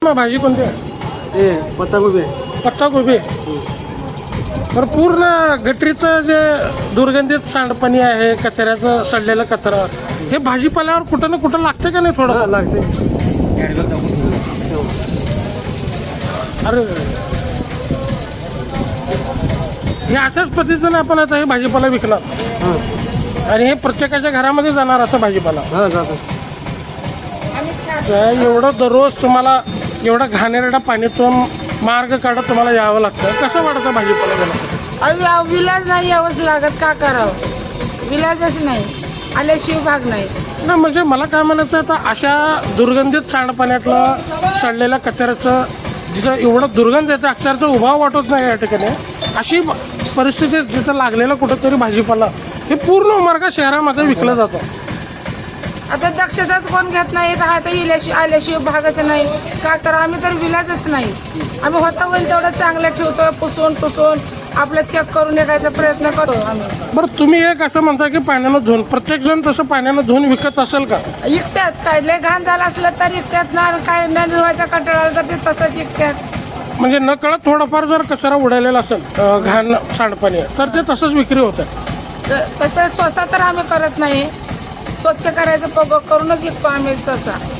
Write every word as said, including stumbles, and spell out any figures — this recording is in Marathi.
मग भाजी कोणती आहे? हे पत्ताकोबी पत्ताकोबी. तर पूर्ण गटरीचं जे दुर्गंधित सांडपाणी आहे, कचऱ्याचं सडलेला कचरा, हे भाजीपाल्यावर कुठं ना कुठं लागतं का नाही थोडं? हा लागते. अरे हे अशाच पद्धतीने आपण आता हे भाजीपाला विकणार हा आणि हे प्रत्येकाच्या घरामध्ये जाणार असं भाजीपाला. हा जातो. तर एवढं दररोज तुम्हाला एवढं घाणेरडा पाणीतून मार्ग काढत तुम्हाला यावं लागतं. कसं वाटतं भाजीपाला गेला? अरे विलाज नाही यावंच लागत, का करावं? विलाजच नाही, आल्याशिवाय भाग नाही. नाही म्हणजे मला काय म्हणायचं आता अशा दुर्गंधित सांडपाण्यातलं सडलेल्या कचऱ्याचं जिथं एवढं दुर्गंध येतं अक्षरचा उभा वाटत नाही या ठिकाणी, अशी परिस्थिती जिथं लागलेलं कुठंतरी भाजीपाला हे पूर्ण मार्ग शहरामध्ये विकलं जातं. आता दक्षताच कोण घेत नाही, तर आता इल्याशिवाय आल्याशिवाय भागच नाही, का करा? आम्ही तर विलाजच नाही. आम्ही होता होईल तेवढं चांगलं ठेवतो, पुसून पुसून आपलं चेक करून येण्याचा प्रयत्न करतो आम्ही. बरं तुम्ही एक असं म्हणता की पाण्यानं धुवून, प्रत्येक जण तसं पाण्यानं धुवून विकत असेल का? इकत्यात काय लय घाण झालं असलं तर इकत्यात ना, काय न धुवायचा कंटाळा आला तर ते तसंच इकत्यात. म्हणजे न कळत थोडाफार जर कचरा उडालेला असेल अं, घाण सांडपाणी तर ते तसंच विक्री होतं. त- तसं स्वतः तर आम्ही करत नाही, स्वच्छ करायचं प- करूनच विकतो आम्ही सहसा.